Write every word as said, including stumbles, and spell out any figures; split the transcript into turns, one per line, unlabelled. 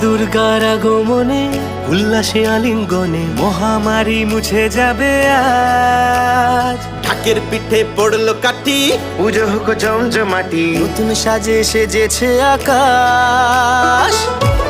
দুর্গার আগমনে উল্লাসে আলিঙ্গনে মহামারী মুছে যাবে আজ।
ঢাকের পিঠে পড়লো কাঠি,
পুজো হোক জমজমাটি, নতুন সাজে সেজেছে আকাশ।